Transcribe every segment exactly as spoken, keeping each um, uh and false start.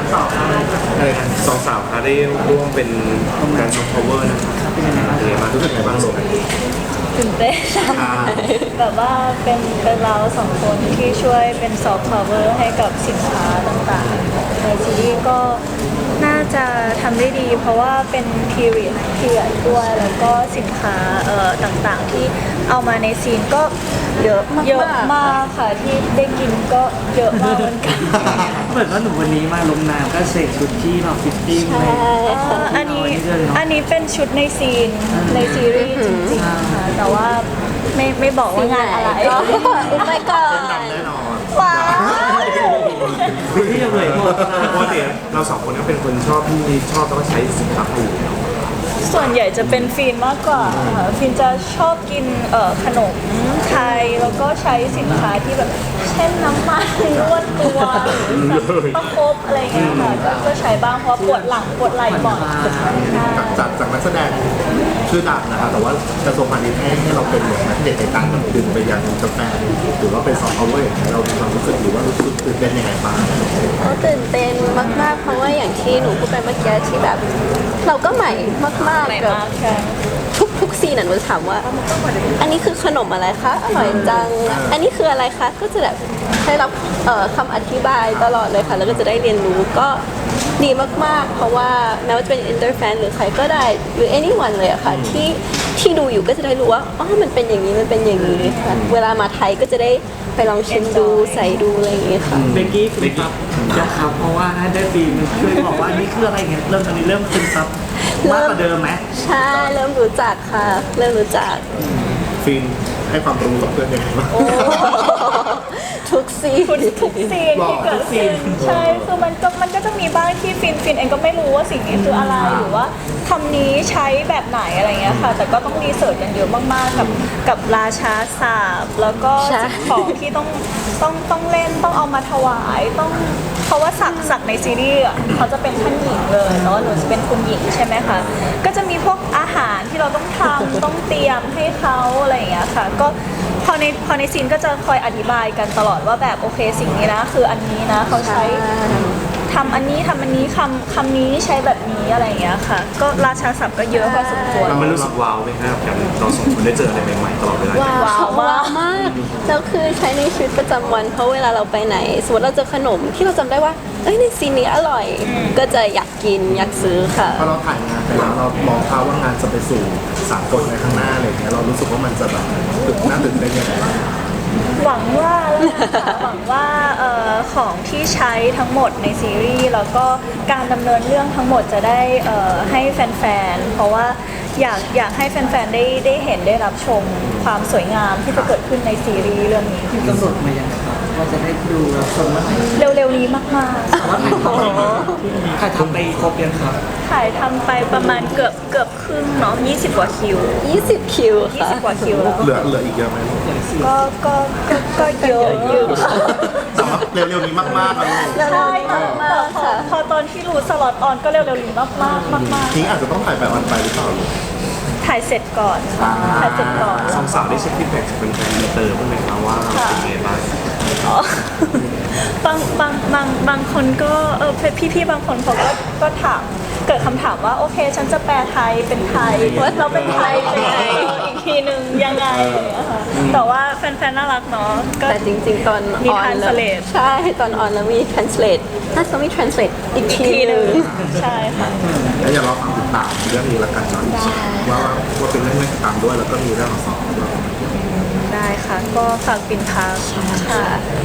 สองสองสาวค่ะได้ร่วมเป็นการซอฟต์พาวเวอร์นะครับเป็นยังไงบ้างรู้สึกไงบ้างลูกตื่นเต้นแบบว่าเป็นเป็นเราสองคนที่ช่วยเป็นซอฟต์พาวเวอร์ให้กับสินค้าต่างๆในซีรีส์ก็น่าจะทำได้ดีเพราะว่าเป็น period period ด้วยแล้วก็สินค้าเอ่อต่างๆที่เอามาในซีนก็เยอะเยอะมากค่ะที่ได้กินก็เยอะมากเหมือนกันเหมือนว่าหนูวันนี้มาลงน้ำก็เสกชุดที่เราฟิตติ้งเลยอันนี้อันนี้เป็นชุดในซีนในซีรีส์จริงๆค่ะแต่ว่าไม่ไม่บอกว่างานอะไรก็อุบไปก่อนแน่นอนว้าวที่ยังเหลือหมดปกติเราสองคนก็เป็นคนชอบที่ชอบแล้วก็ใช้สินค้าปูส่วนใหญ่จะเป็นฟินมากกว่าค่ะฟินจะชอบกินเอ่อขนมไทยแล้วก็ใช้สินค้าที่แบบเช่นน้ำมันนวดตัวหรือประคบอะไรเงี้ยค่ะก็ใช้บ้างเพราะปวดหลังปวดไหล่บ่อยจากจากนักแสดงชื่อดังนะคะแต่ว่ากระทรวงพาณิชย์ให้ให้เราเป็นเหมือนนักเด็กในการดึงไปยังกาแฟหรือว่าเป็นซอฟต์พาวเวอร์เรามีความรู้สึกหรือว่ารู้สึกตื่นเต้นยังไงบ้างเขาตื่นเต้นมากๆเพราะว่าอย่างที่หนูพูดไปเมื่อกี้ที่แบบเราก็ใหม่มากๆแบบทุกทุกซีนน่ะหนูถามว่าอันนี้คือขนมอะไรคะอร่อยจังอันนี้คืออะไรคะก็จะแบบได้รับคำอธิบายตลอดเลยค่ะแล้วก็จะได้เรียนรู้ก็ดีมากๆเพราะว่าแม้ว่าจะเป็นอินเตอร์แฟนหรือใครก็ได้หรือ anyone เลยอะค่ะที่ที่ดูอยู่ก็จะได้รู้ว่าอ๋อมันเป็นอย่างนี้มันเป็นอย่างนี้ค่ะเวลามาไทยก็จะได้ไปลองชิมดูใส่ดูอะไรอย่างเงี้ยค่ะเบกกี้ฟินซับนะครับเพราะว่าได้ฟีมันช่วยบอกว่านี่คืออะไรเงี้ยเริ่มตอนนี้เริ่มฟินซับมากกว่าเดิมไหมใช่เริ่มรู้จักค่ะเริ่มรู้จักฟินให้ความรู้กับเพื่อนยังไงบ้างทุกซีนทุกซีนที่เกิดขึ้นใช่คือมันก็มันก็จะมีบ้างที่ฟินฟินเองก็ไม่รู้ว่าสิ่งนี้คืออะไรหรือว่าคำนี้ใช้แบบไหนอะไรเงี้ยค่ะแต่ก็ต้องรีเสิร์ชกันเยอะมากๆกับกับราชาศาสตร์แล้วก็สิ่งของที่ต้องต้องต้องเล่นต้องเอามาถวายต้องเพราะว่าสักสักในซีรีส์เขาจะเป็นท่านหญิงเลยเนาะหนูจะเป็นคุณหญิงใช่ไหมคะก็จะมีพวกอาหารที่เราต้องทำต้องเตรียมให้เขาอะไรอย่างเงี้ยค่ะก็พอในพอในซีนก็จะคอยอธิบายกันตลอดว่าแบบโอเคสิ่งนี้นะคืออันนี้นะเขาใช้ทำอันนี้ทำอันนี้คำคำนี้ใช้แบบนี้อะไรอย่างเงี้ยค่ะก็ราชาศัพท์ก็เยอะพอสมควรเราไม่รู้สึกว้าวไหมครับกับเราสองคนได้เจออะไรใหม่ๆตลอดเวลาว้าวมากแล้วคือใช้ในชีวิตประจำวันเพราะเวลาเราไปไหนสมมติเราเจอขนมที่เราจำได้ว่าเอ้ยในซีนนี้อร่อยก็จะอยากกินอยากซื้อค่ะพอเราถ่ายงานไปแล้วเรามองภาพว่างานจะไปสู่สากลในข้างหน้าอะไรเงี้ยเรารู้สึกว่ามันจะแบบตื่นน่าตื่นเต้นยังไงบ้างหวังว่าแล้วนะคะหวังว่าเอ่อของที่ใช้ทั้งหมดในซีรีส์แล้วก็การดำเนินเรื่องทั้งหมดจะได้เอ่อให้แฟนๆเพราะว่าอยากอยากให้แฟนๆได้ได้เห็นได้รับชมความสวยงามที่จะเกิดขึ้นในซีรีส์เรื่องนี้กำหนดมายังไงครับว่าจะได้ดูรับชมเมื่อไหร่เร็วๆนี้มากๆว่าถ่ายทำไปครบยังครับถ่ายทำไปประมาณเกือบเกือบครึ่งเนาะยี่สิบกว่าคิวยี่สิบคิวยี่สิบกว่าคิวแล้วเหลือเหลืออีกเยอะไหมก็ก็ก็ก็เยอะอยู่แต่ว่าเร็วๆนี้มากๆเลยใช่มากๆค่ะพอตอนที่รู้สล็อตออนก็เร็วๆนี้มากๆมากๆทิ้งอาจจะต้องถ่ายแบบวันไปหรือเปล่าถ่ายเสร็จก่อนถ่ายเสร็จก่อนสองสาวได้เช็คฟีดแบ็กจากเป็นแฟนเตอร์บ้างไหมคะว่าเป็นไงบ้างบางบางบางบางคนก็เออพี่ๆบางคนเขาก็ก็ถามเกิดคำถามว่าโอเคฉันจะแปลไทยเป็นไทยเราเป็นไทยเป็นไงอีกทีหนึ่งยังไงแต่ว่าแฟนๆน่ารักเนาะแต่จริงๆตอนมี translate ใช่ตอนออนแล้วมี translate น่าจะมี translate อีกทีหนึ่งใช่ค่ะแล้วอย่ารอฟังติดตามเรื่องนี้ละกันเนาะว่าว่าเป็นเรื่องเล่นตามด้วยแล้วก็มีเรื่องของสองด้วยได้ค่ะก็ฝากปินพาค่ะ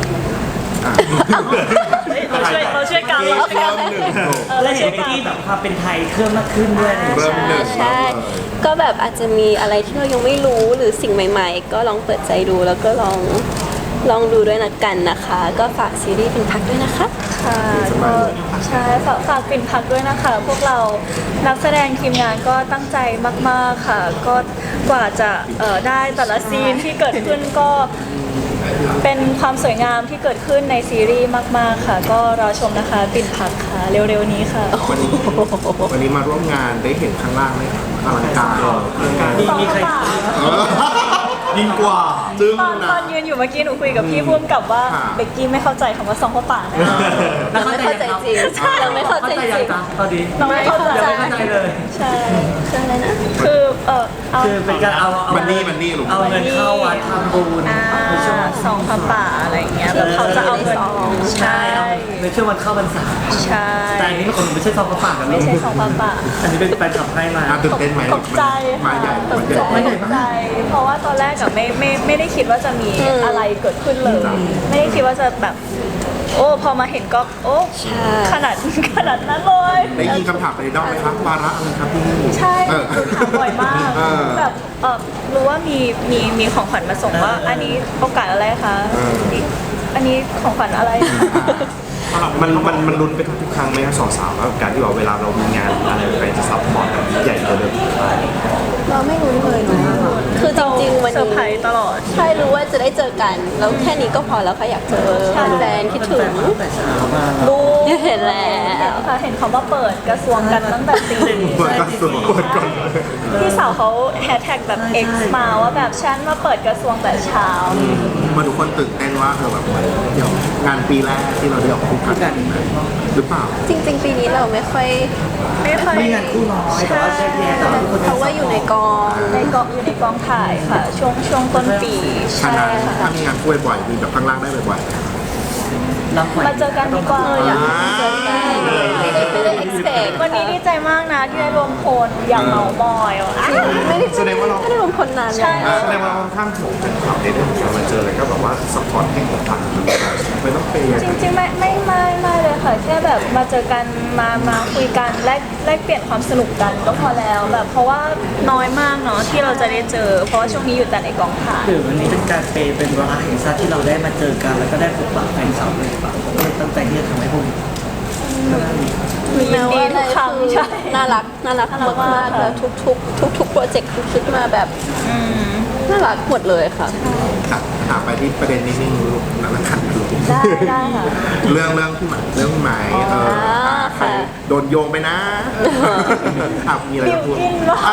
เราช่วยเราช่วยกันเราช่วยกันเราเห็นไปที่แบบความเป็นไทยเพิ่มมากขึ้นด้วยใช่ก็แบบอาจจะมีอะไรที่เรายังไม่รู้หรือสิ่งใหม่ๆก็ลองเปิดใจดูแล้วก็ลองลองดูด้วยนะกันนะคะก็ฝากซีรีส์ปิ่นพักด้วยนะคะค่ะก็ใช่ฝากฝากปิ่นพักด้วยนะคะพวกเรานักแสดงทีมงานก็ตั้งใจมากๆค่ะก็กว่าจะได้แต่ละซีนที่เกิดขึ้นก็เป็นความสวยงามที่เกิดขึ้นในซีรีส์มากๆค่ะก็รอชมนะคะปิ่นพักค่ะเร็วๆนี้ค่ะวันนี้วันนี้มาร่วมงานได้เห็นข้างล่างไหมอลังการมีมีใครยิ่งกว่าจึ้งตอนนะตอนยืนอยู่เมื่อกี้หนูคุยกับพี่พุ่มกับว่าค่ะเบกกี้ไม่เข้าใจคำว่าซองพ่อป่านะแล้วเราไม่เข้าใจจริงเราไม่เข้าใจเข้าใจจยัริงงจ๊ะตอนนี้เราไม่เข้าใจยังไม่เข้าใจเลยใช่คืออะไรนะคือเออเอาคือเป็นการเอาเอามันนี่มันนี่ลูกเอาเงินเข้าวัดทำบุญอ่าในช่วงซองพ่อป่าอะไรอย่างเงี้ยแบบเขาจะเอาเงินใช่ใช่ในช่วงวันเข้าพรรษาใช่แต่อันนี้มันคนไม่ใช่ซองกระป๋ากันไม่ลูกใช่ซองพ่อป่าอันนี้เป็นแฟนคลับให้มาอ่ะตื่นเต้นไหมตกใจมาค่ะใหญ่ตมาก ใหใจญ่มาใหญ่ตกใจ เพราะว่าตอนแรกกับไม่ไม่ไม่ได้คิดว่าจะมีอืมอะไรเกิดขึ้นเลย ไม่ได้คิดว่าจะแบบ โอ้พอมาเห็นก็โอ้ใช่ขนาดขนาดนั้นเลยได้ยินคำถามไปในดอมไหมครับวาระอะไรครับพี่ใช่เออหนูถามบ่อยมากเออแบบเออรู้ว่ามีมีมีของขวัญมาส่งว่า อันนี้โอกาสอะไรคะเอออันนี้ของขวัญอะไรมันมันมันลุ้นไปทุกๆครั้งไหมครับสองสาวว่าการที่ว่าเวลาเรามีงานอะไรไปจะซัพพอร์ตแบบใหญ่กว่าเดิมเราไม่รู้เลยเนอะคือจริงๆวันเซอร์ไพรนี้ส์ตลอดใช่รู้ว่าจะได้เจอกัน แล้วแค่นี้ก็พอแล้วค่ะอยากเจอใช่แฟนๆคิดถึงตั้งแต่เช้ามารู้เห็นแล้วค่ะเห็นเขามาเปิดกระทรวงกันตั้งแต่ตีเปิดกระทรวงเปิดก่อนพี่สาวเขาแฮชแท็กแบบ X มาว่าแบบฉันมาเปิดกระทรวงแต่เช้ามาทุกคนตื่นเต้นว่าเออแบบเดี๋ยวงานปีแรกที่เราได้ออกคู่กันหรือเปล่าจริง ๆ ปีนี้เราไม่ค่อยไม่ค่อยมีงานคู่น้อยแต่ว่าแยกแยะแต่ว่าทุกคนเพราะว่าอยู่ในกองในกองอยู่ในกองถ่ายค่ะ ช่วงช่วงต้นปีฉะใช่นั้นค่ะถ้ามีงานคู่บ่อยๆมีแบบข้างล่างได้บ่อยรับไหวมาเจอกันดีกว่าอยากให้เจอกันไม่ได้ไม่ได้ expect วันนี้ดีใจมากนะที่ได้รวมพลอย่างเมามอยอ่ะไม่ได้แสดงว่าเราไม่ได้รวมคนนานใช่แล้วแสดงว่าค่อนข้างถูกเป็นความในเรื่องของการมาเจอแล้วก็แบบว่าซัพพอร์ตให้ของทางไม่ต้องเปย์จริงๆไม่ไม่ไม่ไม่เลยค่ะแค่แบบมาเจอกันมามาคุยกันแลกแลกเปลี่ยนความสนุกกันก็พอแล้วแบบเพราะว่าน้อยมากเนาะที่เราจะได้เจอ เพราะว่าช่วงนี้อยู่แต่ในกองถ่ายหรือวันนี้เป็นการเปย์เป็นเวลาแห่งชาติที่เราได้มาเจอกันแล้วก็ได้พบปะแฟนสาวเลยปะก็เลยตั้งใจที่จะทำให้พวกมียินดีทุกครั้งใช่น่ารักน่ารักน่ารักมามากกค่ะๆแล้วทุกทุกทุกทุกๆโปรเจกต์ทุกชุดมาแบบน่ารักหมดเลยค่ะๆค่ะถามไปที่ประเด็นนี้นี่ลูกนักขันลูกได้ได้ค่ะเรื่องเรื่องที่หมายเรื่องหมายเอออ่าใครค่ะโดนโยงไปนะอ่ะมีอะไรบิจะวพูดกินวะ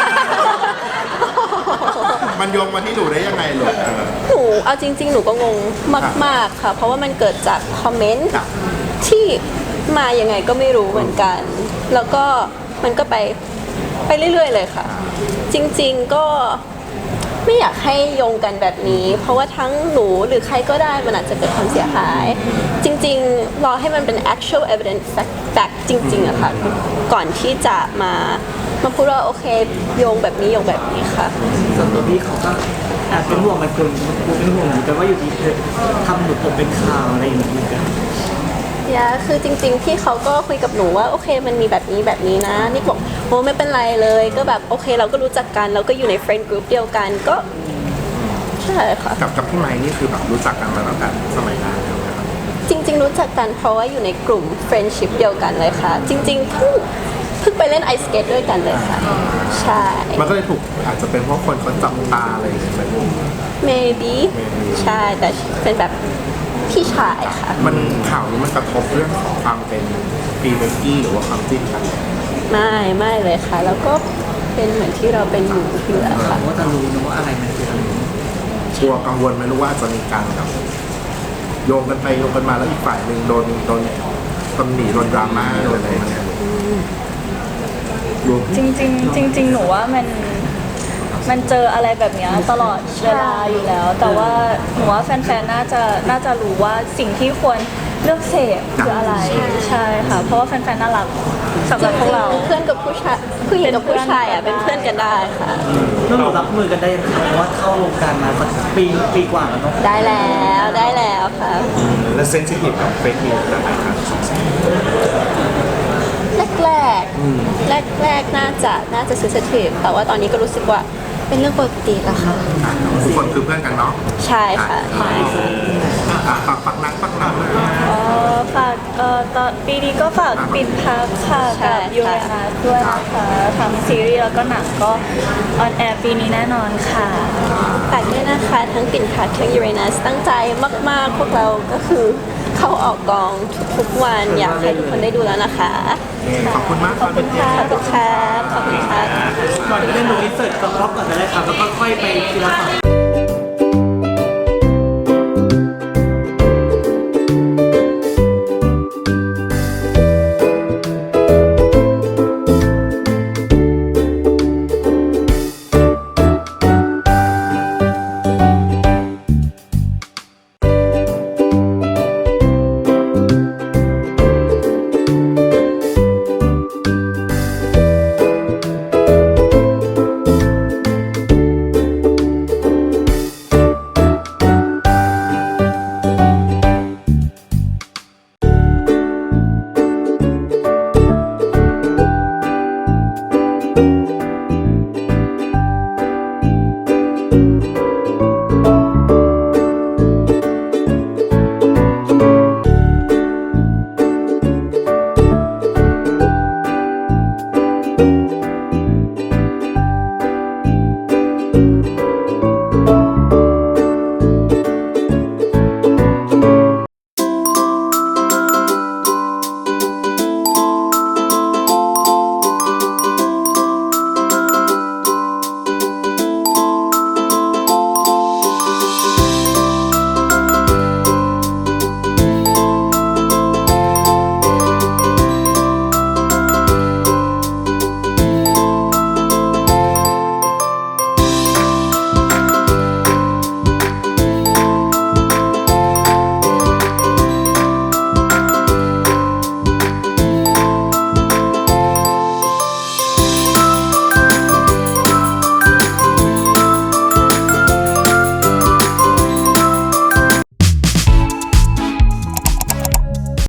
มันโยงมาที่หนูได้ยังไงลูกเออหนูเอาจริง ๆ หนูก็งงมาก ๆ ค่ะ เพราะว่ามันเกิดจากคอมเมนต์ครับที่มายังไงก็ไม่รู้เหมือนกัน แล้วก็มันก็ไปไปเรื่อย ๆ เลยค่ะ จริง ๆ ก็ไม่อยากให้โยงกันแบบนี้ เพราะว่าทั้งหนูหรือใครก็ได้มันอาจจะเกิดความเสียหาย จริง ๆ รอให้มันเป็น actual evidence fact fact จริง ๆอะค่ะ ก่อนที่จะมามาพูดว่าโอเคโยงแบบนี้โยงแบบนี้ค่ะส่วนตัวพี่เขาก็แอบเป็นห่วงมันคนกูเป็นห่วงเหมือนกันว่าอยู่ดีเธอทำหนูตกเป็นข่าวอะไรอย่างเงี้ยกันยาคือจริงๆพี่เขาก็คุยกับหนูว่าโอเคมันมีแบบนี้แบบนี้นะนี่บอกโอ้ไม่เป็นไรเลย ก็แบบโอเคเราก็รู้จักกันเราก็อยู่ในเฟรนด์กรุ๊ปเดียวกันก็ใช่ค่ะกับกับพี่ไม้นี่คือแบบรู้จักกันมาตั้งแต่สมัยนานแล้วนะครับจริง ๆ รู้จักกันเพราะว่าอยู่ในกลุ่มเฟรนด์ชิพเดียวกันเลยค่ะ จริงๆเพิ่งเพิ่งไปเล่นไอสเกตด้วยกันเลยค่ะ ใช่มันก็เลยถูกอาจจะเป็นเพราะคนเขาจับตาอะไรอย่างเงี้ยไหมลูก maybe ใช่แต่เป็นแบบพี่ชายค่ะมันข่าวนี้มันกระทบเรื่องของความเป็นปีเบกกี้หรือว่าความจิ้นกันไม่ไม่เลยค่ะ แล้วก็เป็นเหมือนที่เราเป็นอยู่อยู่แล้วค่ะว่าจะรู้นะว่าอะไรมันคืออะไรกลัวกังวลไหมรู้ว่าจะมีการแบบโยงกันไปโยงกันมาแล้วอีกฝ่ายหนึ่งโดนโดนตำหนิโดนดราม่าโดนอะไรอย่างเงี้ยรวมจริงๆจริงๆหนูว่ามันมันเจออะไรแบบเนี้ยตลอดเวลาอยู่แล้ว แต่ว่าหนูว่าแฟนๆน่าจะน่าจะรู้ว่าสิ่งที่ควรเลือกเสพคืออะไรใช่ค่ะ เพราะว่าแฟนๆน่ารักสำหรับพวกเราเพื่อนกับผู้ชายผู้หญิงกับผู้ชายอ่ะเป็นเพื่อนกันได้ค่ะแล้วหนูรับมือกันได้ยังไงเพราะว่าเข้าวงการมาสักปีปีกว่าแล้วเนาะได้แล้วได้แล้วค่ะและเซนซิทีฟกับเฟกนิวส์อะไรครับสองสามแรกแรกแรกแรกๆน่าจะน่าจะ sensitive แต่ว่าตอนนี้ก็รู้สึกว่าเป็นเรื่องปกติแล้วค่ะอ่ะทุกคนคือเพื่อนกันเนาะใช่ค่ะใช่อ่ะฝากฝากนักฝากนักเลยเอ่อฝากเอ่อตอนปีนี้ก็ฝากปิดพักค่ะกับยูเรนัสด้วยนะคะทั้งซีรีส์แล้วก็หนังก็ออนแอร์ปีนี้แน่นอนค่ะฝากด้วยนะคะทั้งปิ่นพัดทั้งยูเรนัสตั้งใจมาก ๆ พวกเราก็คือเข้าออกกองทุกๆวันอยากให้ทุกคนได้ดูแล้วนะคะขอบคุณมากครับเป็นขอบคุณครับขอบคุณครับก่อนที่จะดูอินเสิร์ตกับรอบก่อนจะได้ครับแล้วก็ค่อยไปทีละฝั่ง